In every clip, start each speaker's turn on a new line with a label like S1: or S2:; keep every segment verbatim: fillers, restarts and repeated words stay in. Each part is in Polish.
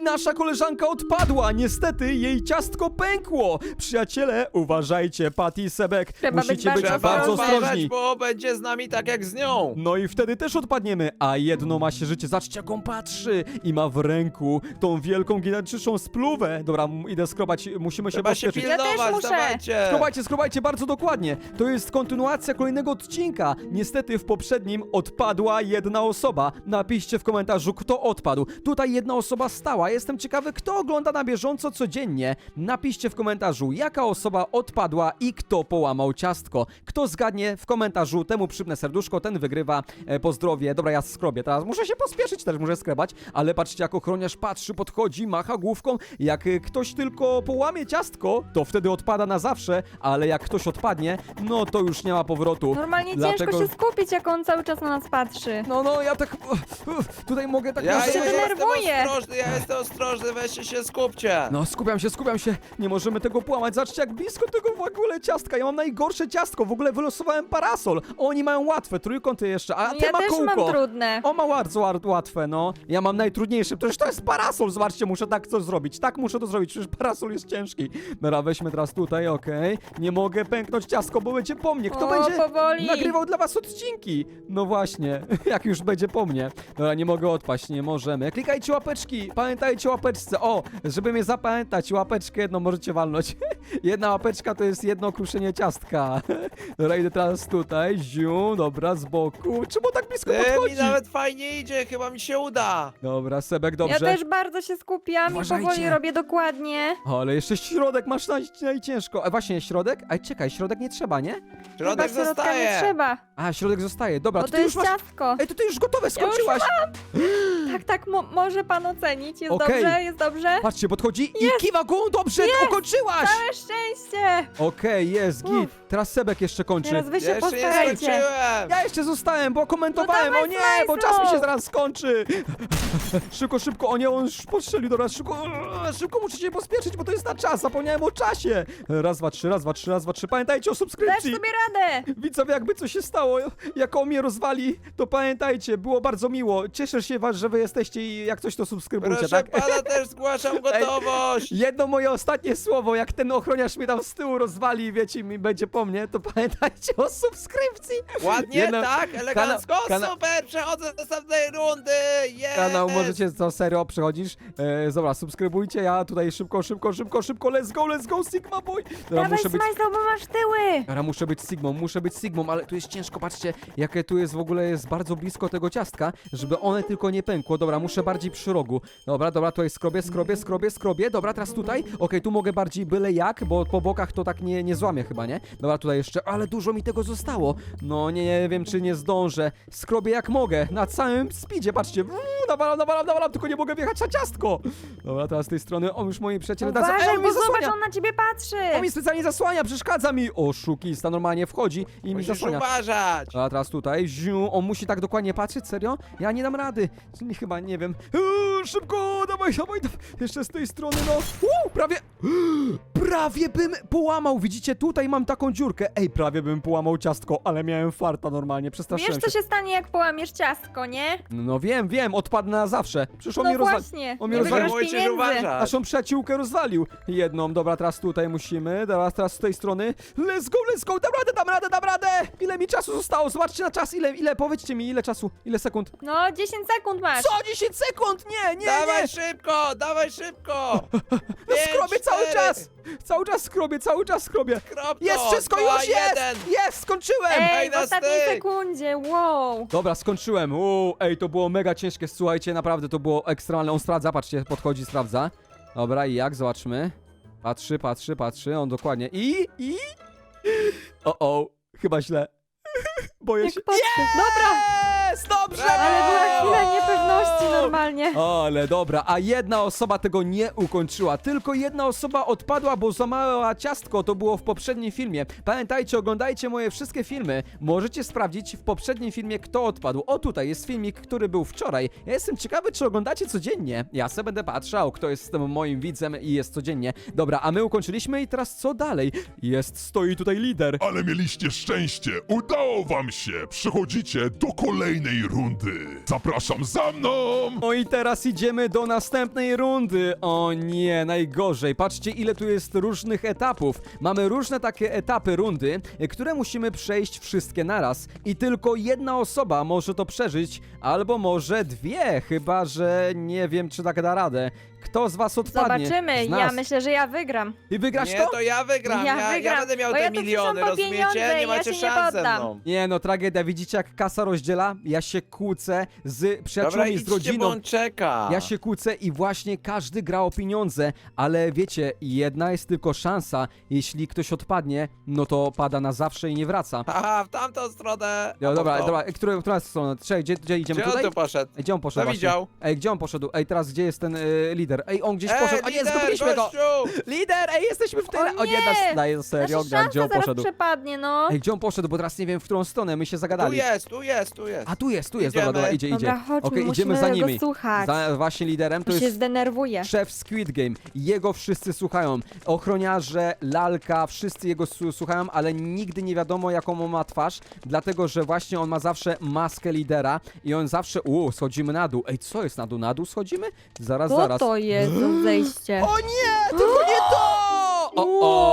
S1: I nasza koleżanka odpadła. Niestety jej ciastko pękło. Przyjaciele, uważajcie, Patty i Sebek.
S2: Trzeba być
S1: Musicie być
S2: bardzo
S1: bardzo
S2: ostrożni.
S1: ostrożni.
S3: bo będzie z nami tak jak z nią.
S1: No i wtedy też odpadniemy, a jedno ma się życie. Zobaczcie, jak on patrzy i ma w ręku tą wielką, gigantyczną spluwę. Dobra, m- idę skrobać, musimy się
S3: Trzeba się
S1: pospieszyć.
S2: Ja też
S3: pilnować,
S2: muszę.
S3: dawajcie.
S1: Skrobajcie, skrobajcie bardzo dokładnie. To jest kontynuacja kolejnego odcinka. Niestety w poprzednim odpadła jedna osoba. Napiszcie w komentarzu, kto odpadł. Tutaj jedna osoba stała. Jestem ciekawy, kto ogląda na bieżąco codziennie. Napiszcie w komentarzu, jaka osoba odpadła i kto połamał ciastko. Kto zgadnie w komentarzu, temu przypnę serduszko, ten wygrywa. E, pozdrowie. Dobra, ja skrobię. Teraz muszę się pospieszyć, też muszę skrebać, ale patrzcie, jak ochroniarz patrzy, podchodzi, macha główką. Jak e, ktoś tylko połamie ciastko, to wtedy odpada na zawsze, ale jak ktoś odpadnie, no to już nie ma powrotu.
S2: Normalnie
S1: Dlatego-
S2: ciężko się skupić, jak on cały czas na nas patrzy.
S1: No, no, ja tak... Tutaj mogę tak...
S3: Ja,
S1: na-
S2: się
S3: ja jestem
S2: denerwuję.
S3: ostrożny, ja jestem ostrożny, weźcie się, skupcie.
S1: No, skupiam się, skupiam się. Nie możemy tego połamać. Zobaczcie, jak blisko tego w ogóle ciastka. Ja mam najgorsze ciastko. W ogóle wylosowałem parasol. Oni mają łatwe, trójkąty jeszcze, a
S2: No
S1: ty
S2: ja
S1: ma
S2: też
S1: kółko.
S2: mam trudne.
S1: O, ma bardzo łat- łatwe, no. Ja mam najtrudniejsze. Przecież to jest parasol. Zobaczcie, muszę tak coś zrobić. Tak muszę to zrobić. Przecież parasol jest ciężki. Dobra, weźmy teraz tutaj, okej. Nie mogę pęknąć ciastko, bo będzie po mnie. Kto
S2: O,
S1: będzie
S2: powoli.
S1: nagrywał dla was odcinki? No właśnie, jak już będzie po mnie. Dobra, nie mogę odpaść, nie możemy. Klikajcie łapeczki. Pamiętajcie o łapeczce. O, żeby mnie zapamiętać, łapeczkę jedną możecie walnąć. Jedna łapeczka to jest jedno kruszenie ciastka. Dobra, idę teraz tutaj. Ziu, dobra, z boku. Czemu tak blisko
S3: Ty, mi
S1: podchodzi?
S3: nawet fajnie idzie, chyba mi się uda.
S1: Dobra, Sebek, dobrze.
S2: Ja też bardzo się skupiam
S1: Uważajcie.
S2: i powoli robię dokładnie.
S1: O, ale jeszcze środek masz naj, najciężko. A właśnie, środek? Ej, czekaj, środek nie trzeba, nie?
S3: Środek
S2: Chyba środka
S3: zostaje.
S2: nie trzeba,
S1: A, środek zostaje. Dobra,
S2: bo
S1: to
S2: to
S1: ty już
S2: jest
S1: masz...
S2: ciastko.
S1: Ej, to ty już gotowe, skończyłaś.
S2: Tak, tak, mo może pan ocenić. Jest
S1: Okej.
S2: dobrze, jest dobrze.
S1: Patrzcie, podchodzi i kiwa głową, dobrze, ukończyłaś!
S2: Całe szczęście.
S1: Okej, jest, git.
S2: Uff.
S1: Teraz Sebek jeszcze kończy.
S2: Teraz wy się
S3: Jeszcze nie
S2: postarajcie.
S3: skończyłem.
S1: Ja jeszcze zostałem, bo komentowałem,
S2: No
S1: o
S2: dawaj,
S1: nie, bo
S2: Smajslu!
S1: czas mi się zaraz skończy. Szybko, szybko, o nie, on już postrzelił, dobra, szybko, szybko muszę się pospieszyć, bo to jest na czas, zapomniałem o czasie. Raz, dwa, trzy, raz, dwa, trzy, raz, dwa, trzy, pamiętajcie o
S2: Dasz
S1: subskrypcji.
S2: sobie radę.
S1: Widzowie, jakby coś się stało, jak on mnie rozwali, to pamiętajcie, było bardzo miło. Cieszę się was, że wy jesteście i jak coś to subskrybujcie,
S3: Proszę
S1: tak?
S3: pana, też zgłaszam gotowość.
S1: Jedno moje ostatnie słowo, jak ten ochroniarz mnie tam z tyłu rozwali i wiecie, mi będzie po mnie, to pamiętajcie o subskrypcji.
S3: Ładnie,
S1: Jedno-
S3: tak, elegancko,
S1: kana- kana-
S3: super, przechodzę do następnej rundy, jest.
S1: Kanał możecie, co serio przechodzisz? E, dobra, subskrybujcie, ja tutaj szybko, szybko, szybko, szybko, let's go, let's go, Sigma Boy. Dobra,
S2: Dawaj,
S1: muszę być...
S2: Smajslow, bo masz tyły.
S1: Dobra, muszę być Sigmą, muszę być Sigmą, ale tu jest ciężko, patrzcie, jakie tu jest w ogóle, jest bardzo blisko tego ciastka, żeby one tylko nie pękło. Dobra, muszę bardziej przy rogu. Dobra, dobra, tutaj skrobię, skrobię, skrobię, skrobię. Dobra, teraz tutaj. Okej, tu mogę bardziej byle jak, bo po bokach to tak nie, nie złamie chyba, nie? Dobra, tutaj jeszcze, ale dużo mi tego zostało. No, nie, nie wiem, czy nie zdążę. Skrobię jak mogę, na całym speedzie, patrzcie. Uuu, nawalam, nawalam, nawalam, tylko nie mogę wjechać na ciastko. Dobra, teraz z tej strony, o, już moi przyjaciele... teraz- Ej,
S2: Uważaj,
S1: on mi
S2: bo zobacz,
S1: zasłania.
S2: on na ciebie patrzy.
S1: On mi specjalnie zasłania, przeszkadza mi. O, szukista normalnie wchodzi i mi
S3: Musisz
S1: zasłania.
S3: uważać.
S1: A teraz tutaj, ziu, on musi tak dokładnie patrzeć, serio? Ja nie dam rady, nie, chyba, nie wiem. Uuu, szybko, dawaj, dawaj, dawaj, jeszcze z tej strony, no. Uuu, prawie, prawie bym połamał, widzicie, tutaj mam taką dziurkę. Ej, prawie bym połamał ciastko, ale miałem farta normalnie, przestraszyłem
S2: Wiesz, co
S1: się.
S2: się stanie, jak połamiesz ciastko, nie?
S1: No wiem, wiem, odpadnę na zawsze. Przecież on
S2: No
S1: mnie rozwalił.
S2: właśnie,
S1: on mnie
S2: nie
S1: rozwalił.
S2: wygrasz
S3: Musisz
S2: pieniędzy.
S3: uważać.
S1: Naszą przyjaciółkę rozwalił. Jedną, dobra, teraz tutaj musimy, teraz, teraz z tej strony. Let's go, let's go, dam radę, dam radę, dam radę! Ile mi czasu zostało? Zobaczcie na czas, ile, ile, powiedzcie mi, ile czasu, ile sekund?
S2: No, dziesięć sekund masz.
S1: Co? dziesięć sekund? Nie, nie,
S3: Dawaj
S1: nie!
S3: szybko, dawaj szybko.
S1: No
S3: Pięć,
S1: skrobię cały
S3: cztery.
S1: czas! Cały czas skrobię, cały czas skrobię.
S3: Krop to,
S1: Jest wszystko,
S3: dwa,
S1: już jest!
S3: jeden.
S1: Jest, skończyłem!
S2: Ej,
S3: Ej,
S2: w
S3: na
S2: ostatniej
S3: styk.
S2: sekundzie, wow.
S1: Dobra, skończyłem. Uuu, ej, to było mega ciężkie, słuchajcie, naprawdę to było ekstremalne. On sprawdza, patrzcie, podchodzi, sprawdza. Dobra, i jak? Zobaczmy. Patrzy, patrzy, patrzy, on dokładnie. I, i... O, o, chyba źle. Boję
S2: Jak
S1: się.
S2: patrzy. Dobra,
S1: Jest, dobrze!
S2: ale była chwila niepewności
S1: No.
S2: normalnie.
S1: Ale dobra, a jedna osoba tego nie ukończyła. Tylko jedna osoba odpadła, bo złamała ciastko. To było w poprzednim filmie. Pamiętajcie, oglądajcie moje wszystkie filmy. Możecie sprawdzić w poprzednim filmie, kto odpadł. O, tutaj jest filmik, który był wczoraj. Ja jestem ciekawy, czy oglądacie codziennie. Ja sobie będę patrzał, kto jest tym moim widzem i jest codziennie. Dobra, a my ukończyliśmy i teraz co dalej? Jest, stoi tutaj lider.
S4: Ale mieliście szczęście, udało wam się! Przechodzicie do kolejnej kolejnej rundy. Zapraszam za mną!
S1: No i teraz idziemy do następnej rundy. O nie, najgorzej. Patrzcie, ile tu jest różnych etapów. Mamy różne takie etapy rundy, e, które musimy przejść wszystkie naraz. I tylko jedna osoba może to przeżyć, albo może dwie, chyba że nie wiem, czy tak da radę. Kto z was odpadnie?
S2: Zobaczymy,
S1: Z
S2: ja
S1: nas.
S2: myślę, że ja wygram.
S1: Ty wygrasz
S3: Nie,
S1: to?
S3: to ja wygram,
S2: Ja
S3: ja, ja,
S2: wygram,
S3: będę miał
S2: bo
S3: te
S2: ja tu
S3: miliony,
S2: przyszłam po
S3: rozumiecie?
S2: pieniądze,
S3: Nie
S2: ja
S3: macie
S2: się nie
S3: szans ze
S2: poddam.
S3: mną.
S1: Nie no, tragedia. Widzicie, jak kasa rozdziela? Ja się kłócę z
S3: Dobra,
S1: przyjaciółmi, z
S3: idźcie, bo
S1: rodziną.
S3: on czeka.
S1: Ja się kłócę i właśnie każdy gra o pieniądze, ale wiecie, jedna jest tylko szansa. Jeśli ktoś odpadnie, no to pada na zawsze i nie wraca.
S3: Haha, w tamtą stronę.
S1: No,
S3: A
S1: dobra,
S3: to-
S1: dobra, która, która strona? Czekaj, gdzie, gdzie idziemy?
S3: Gdzie on
S1: Tutaj?
S3: tu poszedł?
S1: Ej, gdzie on poszedł
S3: To
S1: właśnie?
S3: widział.
S1: Ej, gdzie on poszedł? Ej, teraz gdzie jest ten y, lider? Ej, on gdzieś
S3: Ej,
S1: poszedł. A nie,
S3: lider,
S1: zgubiliśmy go!
S3: gościu!
S1: Lider, ej, jesteśmy w tyle!
S2: O nie!
S1: nas daje serio,
S2: Nasza
S1: gra,
S2: szansa
S1: gdzie on
S2: zaraz
S1: poszedł?
S2: przepadnie, no.
S1: Ej, gdzie on poszedł, bo teraz nie wiem, w którą stronę, my się
S3: Tu
S1: zagadali.
S3: jest, tu jest, tu jest.
S1: A tu jest, tu jest,
S3: Idziemy.
S1: dobra, dobra, idzie, idzie.
S2: Dobra, chodźmy,
S1: Okej,
S2: musimy
S1: idziemy za
S2: go
S1: nimi.
S2: słuchać.
S1: Za właśnie liderem to
S2: To się
S1: jest
S2: zdenerwuje.
S1: szef Squid Game. Jego wszyscy słuchają. Ochroniarze, lalka, wszyscy jego su- słuchają, ale nigdy nie wiadomo, jaką on ma twarz, dlatego, że właśnie on ma zawsze maskę lidera i on zawsze... Uuu, schodzimy na dół. Ej, co jest na dół? Na dół schodzimy? Zaraz,
S2: Co
S1: zaraz.
S2: to jest za zejście?
S1: O nie, tylko nie to! O,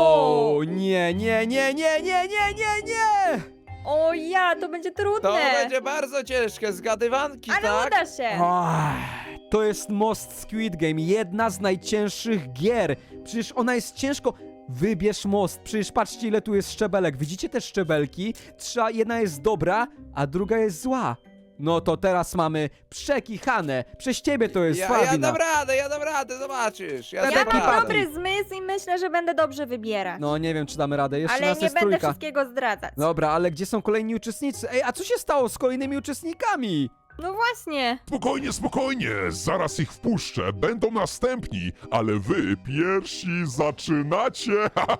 S1: o, nie, nie, nie, nie, nie, nie, nie, nie!
S2: O ja, to będzie trudne.
S3: To będzie bardzo ciężkie, zgadywanki,
S2: Ale
S3: tak?
S2: uda się.
S1: Ach, to jest most Squid Game, jedna z najcięższych gier. Przecież ona jest ciężko... Wybierz most, przecież patrzcie, ile tu jest szczebelek. Widzicie te szczebelki? Trza, jedna jest dobra, a druga jest zła. No to teraz mamy przekichane. Przez ciebie to jest
S3: Ja,
S1: twoja
S3: ja
S1: wina.
S3: dam radę, ja dam radę, zobaczysz. Ja,
S1: Ja
S2: Ja
S3: dam
S1: taki
S2: mam
S3: radę.
S1: party.
S2: dobry zmysł i myślę, że będę dobrze wybierać.
S1: No nie wiem, czy damy radę. Jeszcze
S2: Ale
S1: nas
S2: nie
S1: jest
S2: będę
S1: trójka.
S2: wszystkiego zdradzać.
S1: Dobra, ale gdzie są kolejni uczestnicy? Ej, a co się stało z kolejnymi uczestnikami?
S2: No właśnie.
S4: Spokojnie, spokojnie, zaraz ich wpuszczę, będą następni, ale wy pierwsi zaczynacie.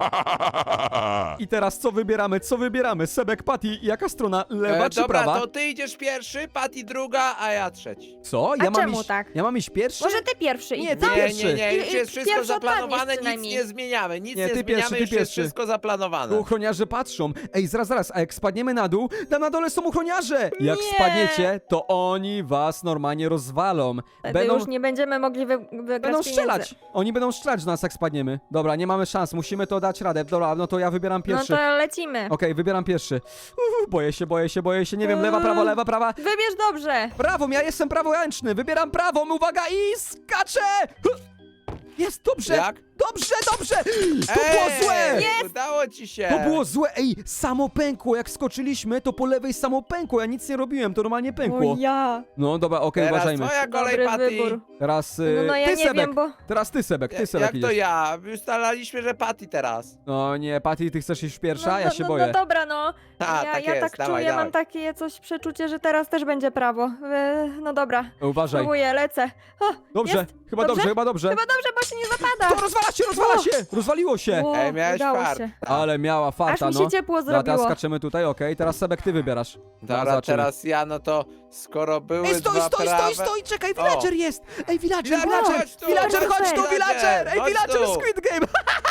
S1: I teraz co wybieramy? Co wybieramy? Sebek, Patty, jaka strona? Lewa
S3: E,
S1: czy
S3: dobra,
S1: prawa?
S3: to ty idziesz pierwszy, Patty druga, a ja trzeci.
S1: Co?
S2: A
S1: Ja mam
S2: czemu
S1: iść,
S2: tak?
S1: Ja mam iść pierwszy?
S2: Może ty pierwszy
S1: Nie,
S2: idź.
S1: ty
S2: co?
S3: Nie,
S1: pierwszy.
S3: nie, nie, już
S2: I- i
S3: jest wszystko
S2: pierwszy
S3: zaplanowane,
S2: odpadniesz
S3: nic
S2: przynajmniej.
S3: nie zmieniamy, nic
S1: Nie,
S3: nie,
S1: ty
S3: zmieniamy,
S1: pierwszy, ty
S3: już jest
S1: pierwszy.
S3: wszystko zaplanowane.
S1: Tu ochroniarze patrzą. Ej, zaraz, zaraz, a jak spadniemy na dół, tam na dole są ochroniarze. Jak
S2: Nie.
S1: spadniecie, to oni was normalnie rozwalą.
S2: Wtedy
S1: Będą,
S2: już nie będziemy mogli wy wygrać
S1: będą
S2: pieniędzy.
S1: strzelać. Oni będą strzelać do nas, jak spadniemy. Dobra, nie mamy szans, musimy to dać radę. Dobra, no to ja wybieram
S2: No
S1: pierwszy.
S2: to lecimy.
S1: Okej, wybieram pierwszy. Uff, boję się, boję się, boję się. Nie wiem, lewa, prawo, lewa, prawa.
S2: Wybierz dobrze.
S1: Prawą, ja jestem praworęczny. Wybieram prawą, uwaga i skaczę! Jest, dobrze,
S3: Jak?
S1: dobrze, dobrze! To było złe!
S2: Jest!
S3: Udało ci się!
S1: To było złe, ej, samo pękło, jak skoczyliśmy, to po lewej samo pękło, ja nic nie robiłem, to normalnie pękło.
S2: O ja.
S1: No dobra, okej,
S3: Teraz
S1: uważajmy.
S3: twoja kolej,
S2: Dobry
S3: Patty.
S2: wybór.
S1: Teraz y,
S2: No, no ja
S1: ty,
S2: nie
S1: Sebek,
S2: wiem, bo...
S1: teraz ty, Sebek, ty,
S3: Ja-
S1: Sebek
S3: Jak to
S1: idziesz.
S3: ja? Ustalaliśmy, że Patty teraz.
S1: No nie, Patty, ty chcesz iść pierwsza?
S2: No,
S1: ja
S2: no,
S1: się
S2: no,
S1: boję.
S2: no dobra, no.
S3: A,
S2: ja
S3: tak
S2: ja
S3: jest,
S2: tak
S3: dawaj,
S2: czuję,
S3: dawaj.
S2: mam takie coś przeczucie, że teraz też będzie prawo. E, no dobra,
S1: Uważaj.
S2: próbuję, lecę. O,
S1: Dobrze,
S2: jest.
S1: chyba
S2: Dobrze?
S1: dobrze, chyba dobrze.
S2: Chyba dobrze, bo się nie zapada.
S1: To rozwala się, rozwala
S2: O.
S1: się! Rozwaliło się!
S2: O,
S3: Ej, miałeś
S2: udało
S3: fart.
S2: się.
S1: Ale miała
S2: Aż
S1: farta,
S2: mi
S1: no.
S2: się ciepło
S1: Dobra, teraz
S2: zrobiło.
S1: skaczemy tutaj, okej, teraz Sebek, ty wybierasz.
S3: Dobra,
S1: zobaczymy.
S3: teraz ja, no to skoro były
S1: Ej, stoi,
S3: dwa
S1: stoi,
S3: prawe...
S1: stoi, stoi, czekaj,
S3: O.
S1: villager jest! Ej, villager,
S3: Villager,
S1: villager!
S3: chodź tu!
S1: Villager, chodź tu,
S2: Villager,
S1: villager! Ej,
S3: chodź
S1: villager,
S3: tu.
S1: Squid Game!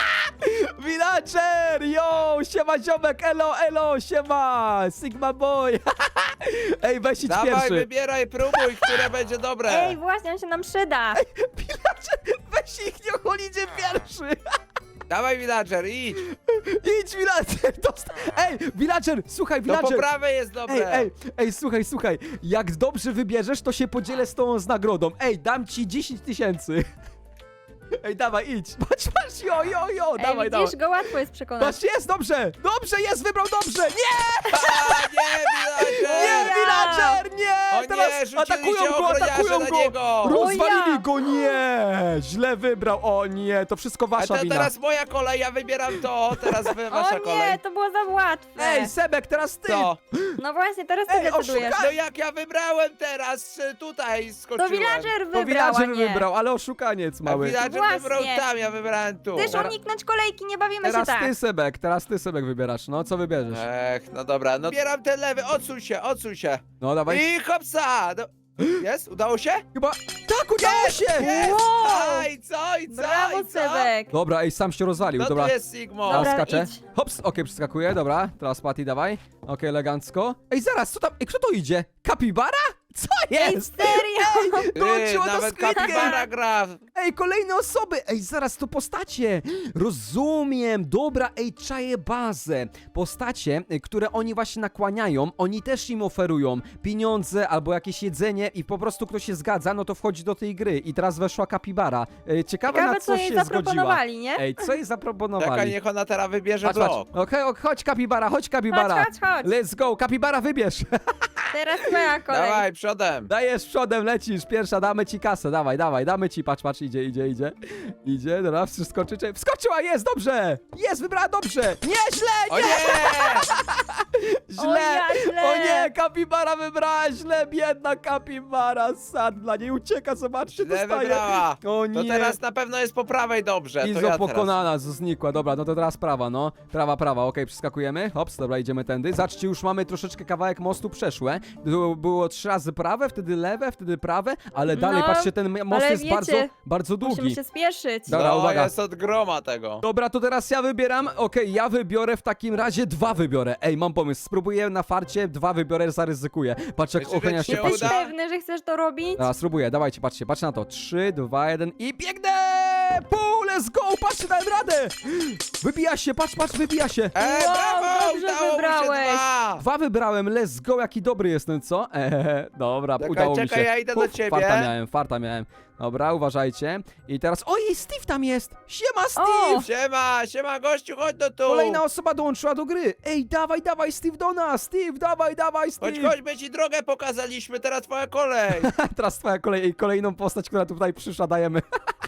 S1: Villager, yo! Siema, ziomek, elo, elo, siema! Sigma boy! Ej, weź idź
S3: Dawaj,
S1: pierwszy!
S3: wybieraj, próbuj, które będzie dobre.
S2: Ej, właśnie, on się nam przyda.
S1: Villager, weź ich, niech on idzie pierwszy!
S3: Dawaj, villager, idź.
S1: Idź, villager! Dosta- Ej, villager, słuchaj,
S3: To po
S1: villager!
S3: prawej jest
S1: Ej,
S3: dobre.
S1: ej, ej, słuchaj, słuchaj, jak dobrze wybierzesz, to się podzielę z tobą z nagrodą. Ej, dam ci dziesięć tysięcy. Ej, dawaj, idź. Patrz, patrz, jo, jo, jo,
S2: Ej,
S1: dawaj,
S2: widzisz,
S1: dawaj.
S2: go łatwo jest przekonać.
S1: Patrz, jest, dobrze, dobrze, jest, wybrał dobrze. Nie,
S3: A, nie, villager!
S1: nie,
S2: ja.
S1: villager, nie.
S3: O nie,
S1: Teraz
S3: rzuciliście
S1: atakują go,
S3: ochroniarze
S1: atakują
S3: na
S1: go.
S3: niego.
S1: Rozwalili
S2: O ja.
S1: go, nie. Źle wybrał, o nie, to wszystko
S3: A
S1: wasza
S3: to
S1: wina.
S3: teraz moja kolej, ja wybieram to, teraz wy, wasza
S2: O
S3: kolej.
S2: nie, to było za łatwe.
S1: Ej, Sebek, teraz ty.
S3: Co?
S2: No właśnie, teraz ty
S1: Ej,
S2: decydujesz.
S1: oszuka-
S3: No jak ja wybrałem teraz, y, tutaj
S2: To
S3: skoczyłem.
S2: villager
S1: To
S2: wybrał, a
S1: villager
S2: nie.
S1: wybrał, ale oszukaniec
S3: A
S1: mały.
S3: villager
S2: Właśnie.
S3: wybrał tam, ja wybrałem tu.
S2: Chcesz uniknąć kolejki, nie bawimy się
S1: Teraz
S2: tak.
S1: ty, Sebek, teraz ty, Sebek, wybierasz. No, co wybierzesz?
S3: Ech, no dobra, no bieram ten lewy, odsuń się, odsuń się.
S1: No, dawaj.
S3: I hopsa! No, jest? Udało się?
S1: Chyba... Tak, udało się!
S3: Jest!
S2: Wow.
S3: Aj, co i co?
S2: Brawo,
S3: I co?
S2: Sebek.
S1: Dobra, ej, sam się rozwalił,
S3: No
S1: dobra.
S3: tu jest Sigmo.
S1: Teraz
S2: Dobra,
S1: skaczę.
S2: idź.
S1: Hops, okej, przeskakuję, dobra. Teraz Patty, dawaj. Okej, elegancko. Ej, zaraz, co tam? Ej, kto to idzie? Kapibara? Co
S2: Ej,
S1: jest?
S2: serio?
S3: Ty,
S1: Dołączyło do
S3: nawet
S1: Squid Game.
S3: kapibara gra.
S1: Ej, kolejne osoby! Ej, zaraz to postacie! Rozumiem! Dobra, ej, czaję bazę. Postacie, y, które oni właśnie nakłaniają, oni też im oferują pieniądze albo jakieś jedzenie i po prostu ktoś się zgadza, no to wchodzi do tej gry. I teraz weszła kapibara. Ej, ciekawe,
S2: Ciekawe,
S1: na
S2: co
S1: co
S2: jej
S1: się zgodziła.
S2: zaproponowali, nie?
S1: Ej, co jej
S3: Czekaj,
S1: zaproponowali?
S3: niech ona teraz wybierze
S1: Patrz, patrz.
S3: blok.
S1: Okej, ok, chodź kapibara, chodź kapibara.
S2: Chodź, chodź, chodź.
S1: Let's go, kapibara wybierz.
S2: Teraz twoja kolej.
S3: Dawaj, przodem.
S1: Dajesz przodem, lecisz, pierwsza, damy ci kasę, dawaj, dawaj, damy ci, patrz, patrz, idzie, idzie, idzie, idzie, dobra, wskoczy, czy- wskoczyła, jest, dobrze, jest, wybrała dobrze, nie, źle,
S3: O
S1: nie,
S3: nie!
S1: źle,
S2: O ja, źle.
S1: o nie, kapibara wybrała źle, biedna kapibara, sad dla niej ucieka, zobaczcie,
S3: Źle
S1: dostaje,
S3: wybrała.
S1: o
S3: To
S1: nie,
S3: teraz na pewno jest po prawej dobrze. To
S1: Izo
S3: ja teraz.
S1: pokonana, znikła, dobra, no to teraz prawa, no, prawa, prawa, okej, przeskakujemy, hops, dobra, idziemy tędy, zobaczcie, już mamy troszeczkę kawałek mostu przeszłe, było, było trzy razy prawe, wtedy lewe, wtedy prawe, ale dalej,
S2: No,
S1: patrzcie, ten most
S2: ale
S1: jest
S2: wiecie,
S1: bardzo, bardzo długi.
S2: Musimy się spieszyć.
S1: Dobra,
S3: no,
S1: uwaga.
S3: jest od groma tego.
S1: Dobra, to teraz ja wybieram, okej, ja wybiorę w takim razie dwa wybiorę. Ej, mam pomysł, spróbuję na farcie, dwa wybiorę, zaryzykuję. Patrz jak
S3: Myślisz,
S1: ochroniarz
S3: że
S1: się
S3: ci
S1: patrzy.
S3: uda?
S2: Jesteś pewny, że chcesz to robić?
S1: Dobra, spróbuję, dawajcie, patrzcie, patrzcie na to. trzy, dwa, jeden i biegnę! Pół, let's go, patrzcie, dałem radę! Wybija się, patrz, patrz, wybija się.
S3: Ej,
S2: Wow,
S3: brawo,
S2: dobrze
S3: udało mu się
S2: wybrałeś.
S3: dwa.
S1: Dwa wybrałem, let's go, jaki dobry jestem, co? Eee, dobra,
S3: Czekaj,
S1: udało mi
S3: czekaj,
S1: się.
S3: ja idę do
S1: Uf,
S3: ciebie.
S1: Farta miałem, farta miałem. Dobra, uważajcie. I teraz, ojej, Steve tam jest! Siema, Steve!
S2: O!
S3: Siema, siema gościu, chodź do tu.
S1: Kolejna osoba dołączyła do gry. Ej, dawaj, dawaj, Steve do nas! Steve, dawaj, dawaj, Steve!
S3: Chodź, chodź, my ci drogę pokazaliśmy, teraz twoja kolej.
S1: Teraz twoja kolej, kolejną postać, która tutaj przyszła, dajemy.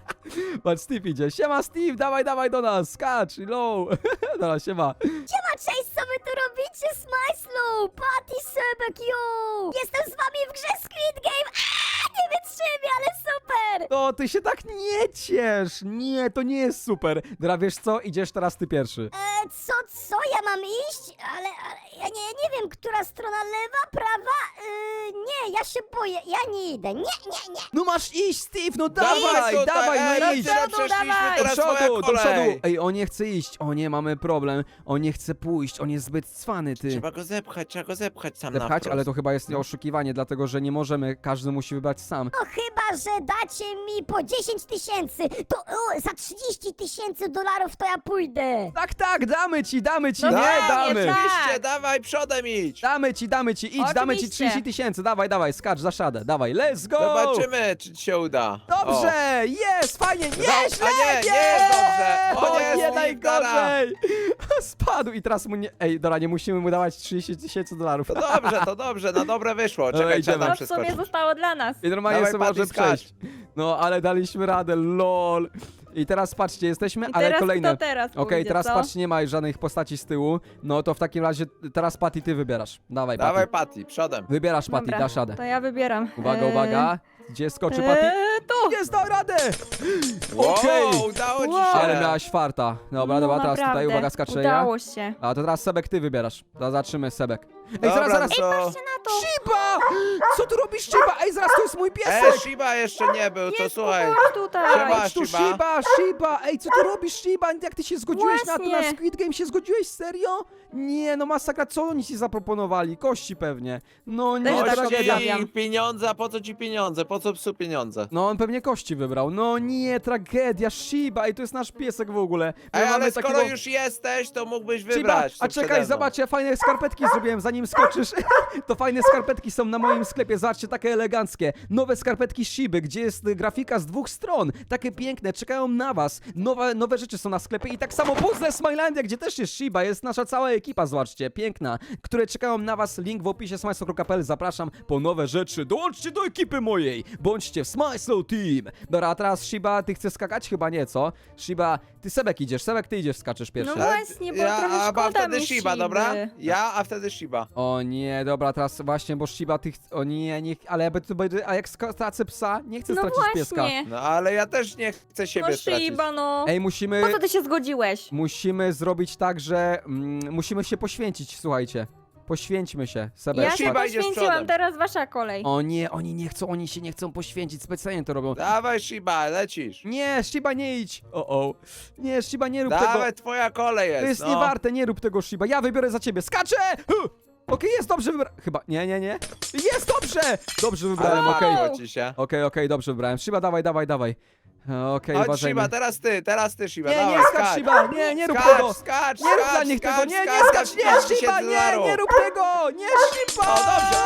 S1: Patrz, Steve idzie. Siema, Steve, dawaj, dawaj do nas, skacz, low. Dobra, siema.
S5: Siema, cześć, co wy tu robicie? Smajslu, Patty, Sebek, yo! Jestem z wami w grze Squid Game! Aaa, nie wytrzymię, ale super!
S1: No, ty się tak nie ciesz. Nie, to nie jest super. Dobra, wiesz co? Idziesz teraz ty pierwszy.
S5: E, co, co, ja mam iść? Ale, ale ja nie, nie wiem, która strona, lewa, prawa? E, nie, ja się boję, ja nie idę, nie, nie, nie!
S1: No masz iść, Steve, no
S3: Dawaj
S1: dawaj,
S3: tutaj,
S1: dawaj,
S3: ej,
S1: no idź.
S3: tyle
S2: Do przodu,
S3: przeszliśmy,
S2: dawaj.
S1: Do
S3: teraz twoja
S1: przodu, do
S3: kolej.
S1: przodu. Ej, on nie chce iść. O nie, mamy problem. On nie chce pójść, on jest zbyt cwany, ty.
S3: Trzeba go zepchać, trzeba go zepchać sam na
S1: Zepchać,
S3: wprost.
S1: ale to chyba jest oszukiwanie, dlatego że nie możemy, każdy musi wybrać sam.
S5: No chyba, że dacie mi po dziesięć tysięcy, to o, za trzydzieści tysięcy dolarów to ja pójdę!
S1: Tak, tak, damy ci, damy ci,
S2: No
S1: nie,
S2: dawaj,
S1: damy.
S2: tak.
S3: Oczywiście, dawaj przodem idź.
S1: Damy ci, damy ci, idź, damy ci
S2: Oczywiście.
S1: trzydzieści tysięcy, dawaj, dawaj, skacz, za szadę, dawaj, let's go!
S3: Zobaczymy, czy ci się uda.
S1: Dobrze, jest, fajnie, nie,
S3: Dobra,
S1: źle,
S3: a nie, nie jest dobrze. O
S1: O
S3: nie,
S1: nie,
S3: Steve,
S1: najgorzej! Spadł i teraz mu nie, ej, dobra, nie musimy mu dawać trzydzieści tysięcy dolarów.
S3: O, to dobrze, to dobrze, na dobre wyszło.
S1: Dobra,
S3: Czekaj,
S1: idziemy.
S3: trzeba
S2: To
S3: tam
S2: w sumie
S3: przeskoczyć.
S2: zostało dla nas.
S1: I normalnie
S3: Dawaj,
S1: sobie
S3: Patty,
S1: może
S3: skacz.
S1: przejść. No, ale daliśmy radę, lol. I teraz patrzcie, jesteśmy,
S2: I
S1: ale
S2: teraz
S1: kolejne.
S2: kto teraz
S1: Okej,
S2: pójdzie,
S1: teraz
S2: co?
S1: patrzcie, nie ma żadnych postaci z tyłu. No to w takim razie teraz Patty, ty wybierasz. Dawaj,
S3: Dawaj,
S1: Patty.
S3: Patty, przodem.
S1: Wybierasz, Patty,
S2: Dobra,
S1: dasz radę.
S2: to ja wybieram.
S1: Uwaga,
S2: Eee,
S1: uwaga. Gdzie skoczy Patty?
S2: Eee, tu!
S1: Jest, dał radę!
S3: Wow,
S1: Okej.
S3: udało ci
S2: Wow.
S3: się.
S1: Ale miałaś farta. Dobra,
S2: No,
S1: dobra, teraz tutaj,
S2: naprawdę,
S1: uwaga, skaczę ja.
S2: Udało się.
S1: A to teraz Sebek, ty wybierasz. Zobaczymy, Sebek. Ej,
S3: Dobra,
S1: zaraz, zaraz.
S3: to...
S2: Na to!
S1: Shiba! Co tu robisz, Shiba? Ej, zaraz, to jest mój
S3: E,
S1: piesek!
S3: Shiba jeszcze nie był, to
S2: Jest,
S3: słuchaj.
S2: chodź tutaj!
S3: Siema.
S1: Chodź tu,
S3: Shiba.
S1: Shiba, Shiba! Ej, co ty robisz, Shiba? Jak ty się zgodziłeś na to, na
S2: Właśnie.
S1: Squid Game? Się zgodziłeś, serio? Nie, no masakra, co oni ci zaproponowali? Kości pewnie. No nie,
S2: Też tak
S1: tragedia.
S2: obstawiam.
S3: Ci pieniądze, a po co ci pieniądze? Po co psu pieniądze?
S1: No on pewnie kości wybrał. No nie, tragedia, Shiba, ej, to jest nasz piesek w ogóle. My
S3: Ej,
S1: mamy
S3: ale skoro
S1: takiego-
S3: już jesteś, to mógłbyś
S1: Shiba,
S3: wybrać.
S1: a
S3: co przede
S1: czekaj,
S3: mną.
S1: zobacz, ja fajne skarpetki zrobiłem, zanim skoczysz. To fajne skarpetki są na moim sklepie, zobaczcie, takie eleganckie. Nowe skarpetki Shiby, gdzie jest y, grafika z dwóch stron. Takie piękne, czekają na was. Nowe, nowe rzeczy są na sklepie i tak samo puzzle Smilandia, gdzie też jest Shiba, jest nasza cała ekipa, zobaczcie, piękna, które czekają na was. Link w opisie smajslow kropka p l, zapraszam po nowe rzeczy. Dołączcie do ekipy mojej, bądźcie w Smajslow Team. Dobra, a teraz Shiba, ty chcesz skakać? Chyba nie, co? Shiba, ty Sebek idziesz, Sebek, ty idziesz, skaczesz pierwszy.
S2: No
S3: Ale
S2: właśnie, bo
S3: ja,
S2: trochę
S3: a, a
S2: szkoda
S3: wtedy
S2: mi
S3: Shiba,
S2: Shiby.
S3: dobra? Ja, a wtedy Shiba.
S1: O nie, dobra, teraz właśnie, bo Shiba, ty... ch- O nie, nie... Ale ja to będzie... A jak sk- stracę psa? Nie chcę
S2: No
S1: stracić pieska.
S2: właśnie.
S3: No ale ja też nie chcę siebie
S2: No
S3: stracić.
S2: Shiba, no.
S1: Ej, musimy...
S2: Po co ty się zgodziłeś?
S1: Musimy zrobić tak, że... Mm, musimy się poświęcić, słuchajcie. Poświęćmy się, Sebek.
S2: Ja się
S3: Shiba, idziesz
S2: poświęciłam,
S3: przodem.
S2: teraz wasza kolej.
S1: O nie, oni nie chcą, oni się nie chcą poświęcić, specjalnie to robią.
S3: Dawaj, Shiba, lecisz.
S1: Nie, Shiba, nie idź! O, o. Nie, Shiba, nie rób tego.
S3: Dawaj, twoja kolej jest,
S1: To jest
S3: no.
S1: niewarte, nie rób tego, Shiba. Ja wybiorę za ciebie. Skaczę! Huh! Okej, jest dobrze wybrałem. Chyba, nie, nie, nie. Jest dobrze! Dobrze wybrałem,
S3: Ale
S1: okej.
S3: marzyło ci się.
S1: Okej, okej, dobrze wybrałem. Shiba, dawaj, dawaj, dawaj. Okej,
S3: Chodź,
S1: uważajmy.
S3: Shiba, teraz ty, teraz ty, Shiba,
S1: Nie,
S3: dawaj,
S1: nie, skacz, Shiba! Nie, nie rób
S3: skacz,
S1: tego!
S3: skacz,
S1: Nie rób
S3: skacz,
S1: dla nich tego!
S3: skacz,
S1: Nie, nie
S3: skacz,
S1: skacz! Nie,
S3: pięćdziesiąt
S1: Shiba!
S3: tysięcy
S1: Nie,
S3: dolarów.
S1: nie rób tego! Nie, Shiba!
S3: O, dobrze.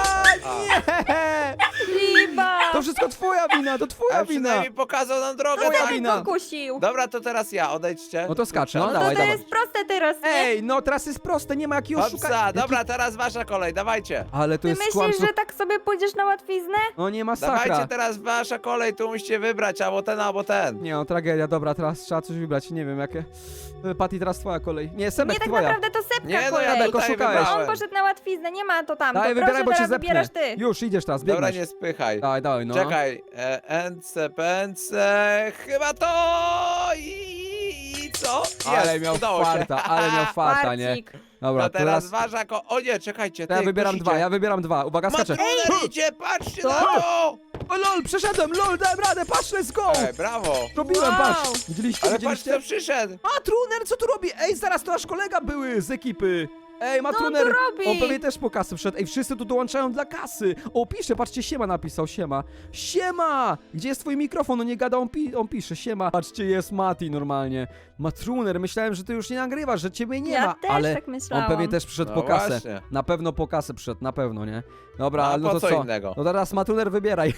S1: Nie!
S2: Shiba!
S1: To wszystko twoja wina, to twoja
S3: A
S1: wina!
S3: przynajmniej pokazał nam drogę.
S1: Twoja
S2: Kto
S3: tak.
S1: wina.
S2: mnie pokusił?
S3: Dobra, to teraz ja, odejdźcie.
S1: No to skacz, no,
S2: No to
S1: dawaj,
S2: to
S1: dawaj.
S2: jest proste teraz, nie?
S1: Ej, no teraz jest proste, nie ma jakiego
S3: Hopsa,
S1: szukania.
S3: dobra, teraz wasza kolej, dawajcie.
S1: Ale to
S2: Ty
S1: jest
S2: myślisz,
S1: kłamstwo.
S2: że tak sobie pójdziesz na łatwiznę?
S1: No nie
S3: Dawajcie
S1: masakra.
S3: teraz wasza kolej, tu musicie wybrać albo ten, albo ten.
S1: Nie no, tragedia, dobra, teraz trzeba coś wybrać, nie wiem jakie. E, Patty, teraz twoja kolej. Nie, Sebek,
S2: Nie, tak
S1: twoja.
S2: naprawdę to Sepka
S3: Nie, no
S2: kolej.
S3: ja
S1: Sebek,
S3: tutaj
S1: oszukałeś.
S2: On
S3: wybrałem.
S2: poszedł na łatwiznę, nie ma to tam.
S1: Daj,
S2: to
S1: wybieraj,
S2: proszę,
S1: bo cię
S2: teraz
S1: zepnę.
S2: wybierasz ty.
S1: Już, idziesz teraz,
S3: Dobra,
S1: biegniesz.
S3: nie spychaj.
S1: Dawaj, dawaj, no.
S3: Czekaj, e, ence, pęce, chyba to i, i co?
S1: Ale
S3: Jest,
S1: miał
S3: udało się.
S1: farta, ale miał farta, nie?
S2: Marcik.
S1: Dobra,
S3: No
S1: to
S3: teraz
S1: teraz...
S3: wasza ko... O nie, czekajcie,
S1: To
S3: ty,
S1: ja wybieram
S3: ktoś
S1: dwa,
S3: idzie.
S1: ja wybieram dwa. Uwaga, skaczę.
S3: Matruner idzie, patrzcie
S2: Co?
S3: na to!
S1: O lol, przeszedłem, lol, dałem radę, patrz, let's go!
S3: Ej, brawo!
S1: Robiłem,
S2: Wow.
S1: patrz. Widzieliście,
S3: Ale patrz,
S1: widzieliście?
S3: kto przyszedł!
S1: Matruner, co tu robi? Ej, zaraz, to nasz kolega były z ekipy. Ej, Matruner,
S2: tu robi?
S1: on pewnie też po kasy wszedł. Ej, wszyscy tu dołączają dla kasy. O, pisze, patrzcie, siema napisał, siema. Siema! Gdzie jest twój mikrofon? No nie gada, on, pi on pisze, siema. Patrzcie, jest Mati normalnie. Matruner, myślałem, że ty już nie nagrywasz, że ciebie nie
S2: Ja
S1: ma,
S2: też
S1: ale
S2: tak myślałam.
S1: on pewnie też przyszedł
S3: No
S1: po kasę.
S3: właśnie.
S1: Na pewno po kasę przyszedł, na pewno, nie? Dobra,
S3: No, a
S1: ale no
S3: po
S1: to
S3: co
S1: co?
S3: innego?
S1: No teraz Matruner, wybieraj.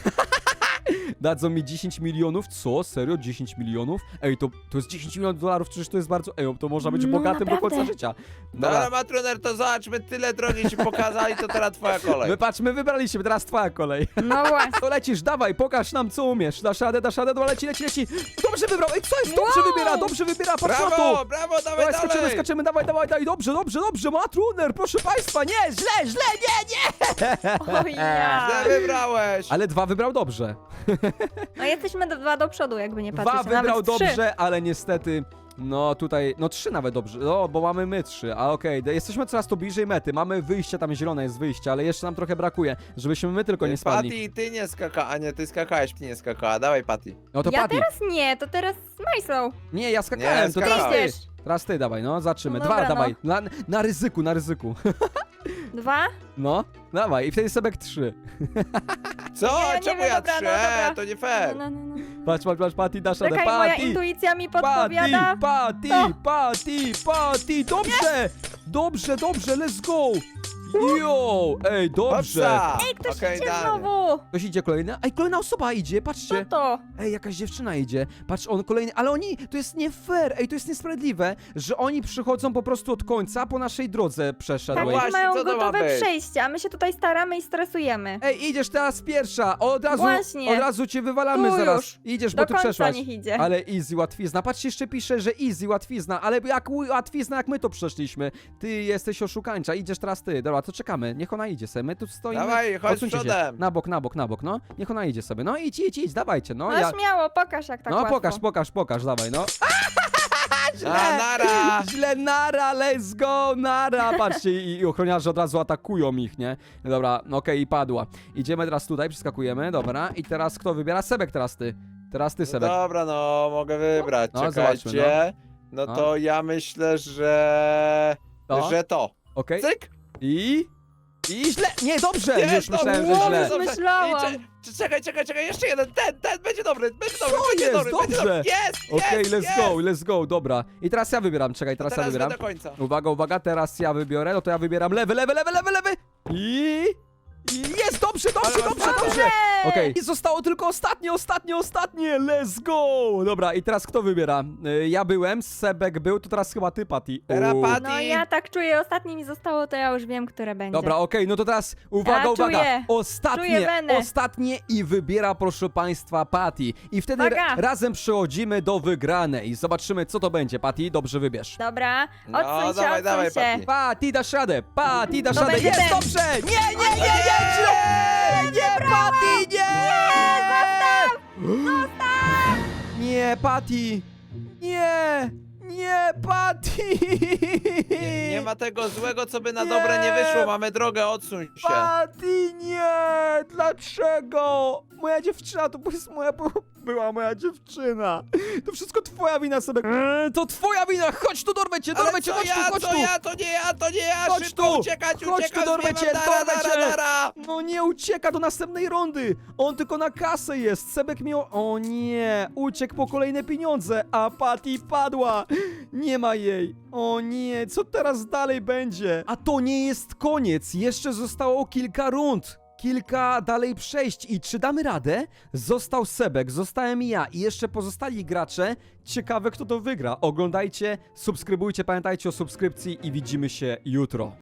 S1: Dadzą mi dziesięć milionów? Co? Serio? dziesięć milionów? Ej, to, to jest dziesięć milionów dolarów, przecież to jest bardzo... Ej, to można być
S2: No,
S1: bogatym do
S2: naprawdę.
S1: końca życia.
S3: Dobra, Matruner, to zobaczmy, tyle drogi ci pokazali, to teraz twoja kolej.
S1: My patrz, my wybraliśmy, teraz twoja kolej.
S2: No właśnie.
S1: To lecisz, dawaj, pokaż nam co umiesz. Dasz radę, dasz radę, dobra, leci, leci, leci. Dobrze wybrał, ej, co jest? Dobrze
S2: Wow.
S1: wybiera, dobrze wybiera, patrz na
S3: Brawo,
S1: to.
S3: brawo, dawaj
S1: Dawaj, skaczemy,
S3: dalej!
S1: skaczemy, dawaj, dawaj, dawaj, dobrze, dobrze, dobrze, Matruner, proszę państwa, nie, źle, źle, nie, nie.
S2: O ja.
S3: Źle wybrałeś!
S1: Ale dwa wybrał dobrze.
S2: No jesteśmy do, dwa do przodu, jakby nie patrzeć.
S1: Dwa wybrał
S2: nawet trzy.
S1: dobrze, ale niestety... No tutaj, no trzy nawet dobrze, no bo mamy my trzy, a okej, okay. Jesteśmy coraz to bliżej mety, mamy wyjście, tam zielone jest wyjście, ale jeszcze nam trochę brakuje, żebyśmy my tylko nie spadli.
S3: Patty, ty nie skaka, a nie, ty skakałeś, ty nie skakała, dawaj Patty.
S1: No to
S2: Ja
S1: Patty.
S2: teraz nie, to teraz z Majsą.
S1: Nie, ja skakałem,
S3: Nie,
S1: to
S2: Ty
S1: teraz ty.
S2: idziesz.
S1: Teraz ty dawaj, no, zaczymy.
S2: No
S1: Dwa
S2: dobra,
S1: dawaj, na, na ryzyku, na ryzyku.
S2: Dwa?
S1: No, dawaj, i wtedy Sebek trzy.
S3: Co?
S2: Nie, nie
S3: Czemu
S2: wiem,
S3: ja
S2: dobra,
S3: trzy?
S2: no dobra.
S3: E, to nie fair.
S2: No, no, no, no.
S1: Patrz, patrz, patrz, Patty, dasz radę,
S2: Czekaj, moja
S1: Patty!
S2: intuicja mi
S1: Patty,
S2: podpowiada.
S1: Patty,
S2: To.
S1: Patty, Patty, dobrze! Dobrze, dobrze, let's go! Jo, ej, dobrze!
S3: Hopsa.
S2: Ej, ktoś
S3: Okej,
S2: idzie
S3: dalej.
S2: znowu.
S1: Ktoś idzie kolejny? Ej, kolejna osoba idzie,
S2: Co
S1: patrzcie!
S2: to?
S1: Ej, jakaś dziewczyna idzie. Patrz, on kolejny. Ale oni, to jest nie fair. Ej, to jest niesprawiedliwe, że oni przychodzą po prostu od końca po naszej drodze przeszedłej.
S3: No
S2: Tak,
S3: właśnie,
S2: mają
S3: co to ma
S2: gotowe
S3: być?
S2: przejście, a my się tutaj staramy i stresujemy.
S1: Ej, idziesz teraz pierwsza. Od razu,
S2: Właśnie.
S1: od razu cię wywalamy
S2: Tu
S1: zaraz.
S2: już.
S1: Idziesz,
S2: Do
S1: bo ty
S2: końca
S1: przeszłaś.
S2: niech idzie.
S1: Ale easy, łatwizna. Patrzcie, jeszcze pisze, że easy, łatwizna. Ale jak łatwizna, jak my to przeszliśmy. Ty jesteś oszukańcza. Idziesz teraz ty. Dobra, to czekamy. Niech ona idzie sobie. My tu stoimy.
S3: Dawaj, chodź
S1: Odsuńcie się.
S3: przodem.
S1: Na bok, na bok, na bok, no. Niech ona idzie sobie. No idź, idź, idź, dawajcie, no.
S2: No
S1: ja...
S2: śmiało, pokaż jak tak
S1: No
S2: łatwo.
S1: pokaż, pokaż, pokaż, dawaj, no.
S3: A, nara!
S1: Źle, nara, let's go, nara. Patrzcie, i, i ochroniarze od razu atakują ich, nie? Dobra, no okej, i padła. Idziemy teraz tutaj, przeskakujemy, dobra. I teraz kto wybiera? Sebek teraz ty. Teraz ty,
S3: No
S1: Sebek.
S3: dobra, no, mogę wybrać,
S1: No,
S3: czekajcie.
S1: zobaczmy,
S3: No
S1: No.
S3: to ja myślę, że...
S1: To?
S3: Że to.
S1: Okej.
S3: Cyk!
S1: I... I źle, nie, dobrze,
S3: Nie,
S1: już
S3: to
S1: myślałem, że
S2: dobrze,
S1: źle.
S2: dobrze. myślałam.
S3: I cze- czekaj, czekaj, czekaj, jeszcze jeden, ten, ten, będzie dobry, będzie dobry,
S1: Co
S3: będzie
S1: jest?
S3: dobry, będzie
S1: Dobrze.
S3: dobry. Jest,
S1: Okej,
S3: jest,
S1: let's
S3: jest.
S1: go, let's go, dobra. I teraz ja wybieram, czekaj, teraz,
S3: Teraz
S1: ja wybieram.
S3: do końca.
S1: Uwaga, uwaga, teraz ja wybiorę, no to ja wybieram lewy, lewy, lewy, lewy, lewy. I... I jest, dobrze, dobrze,
S3: Ale
S1: dobrze,
S3: masz
S1: dobrze.
S2: Ej!
S1: Okej, i zostało tylko ostatnie, ostatnie, ostatnie, let's go! Dobra, i teraz kto wybiera? Y, Ja byłem, Sebek był, to teraz chyba ty, Patty.
S3: Teraz
S1: U.
S3: Patty.
S2: No ja tak czuję, ostatnie mi zostało, to ja już wiem, które będzie.
S1: Dobra, okej, no to teraz uwaga,
S2: Ja
S1: uwaga.
S2: czuję.
S1: Ostatnie,
S2: Czuję wenę.
S1: ostatnie i wybiera, proszę państwa, Patty. I wtedy
S2: Uwaga.
S1: ra razem przechodzimy do wygranej. Zobaczymy, co to będzie, Patty. Dobrze wybierz.
S2: Dobra,
S3: No,
S2: odsuń się,
S3: dawaj,
S2: odsuń
S3: dawaj,
S2: się.
S3: Patty.
S1: Patty, dasz radę, Patty, dasz
S2: To
S1: radę.
S2: będzie
S1: Jest,
S2: ten.
S1: dobrze! Nie, nie, nie, nie, źle! Nie, Patty, nie!
S2: Nie, zostaw!
S1: Nie, Patty! Nie! Nie, Patty!
S3: Nie, nie ma tego złego, co by na
S1: Nie.
S3: dobre nie wyszło. Mamy drogę, odsuń się.
S1: Patty, nie! Dlaczego? Moja dziewczyna to jest moja... była moja dziewczyna. To wszystko twoja wina, Sebek. Eee, to twoja wina! Chodź tu, dorwę cię,
S3: Ale
S1: dorwę cię,
S3: co
S1: chodź
S3: ja,
S1: tu, chodź
S3: co
S1: tu!
S3: ja, to nie ja, to nie ja!
S1: Chodź
S3: Szybko
S1: tu!
S3: uciekać,
S1: Chodź
S3: uciekać!
S1: tu, dorwę
S3: zbiewam,
S1: cię,
S3: dara,
S1: dorwę
S3: dara,
S1: cię!
S3: dara.
S1: No nie ucieka do następnej rundy! On tylko na kasę jest! Sebek miał... O nie! Uciekł po kolejne pieniądze, a Patty padła! Nie ma jej! O nie! Co teraz dalej będzie? A to nie jest koniec! Jeszcze zostało kilka rund! Kilka dalej przejść i czy damy radę? Został Sebek, zostałem ja i jeszcze pozostali gracze. Ciekawe, kto to wygra. Oglądajcie, subskrybujcie, pamiętajcie o subskrypcji i widzimy się jutro.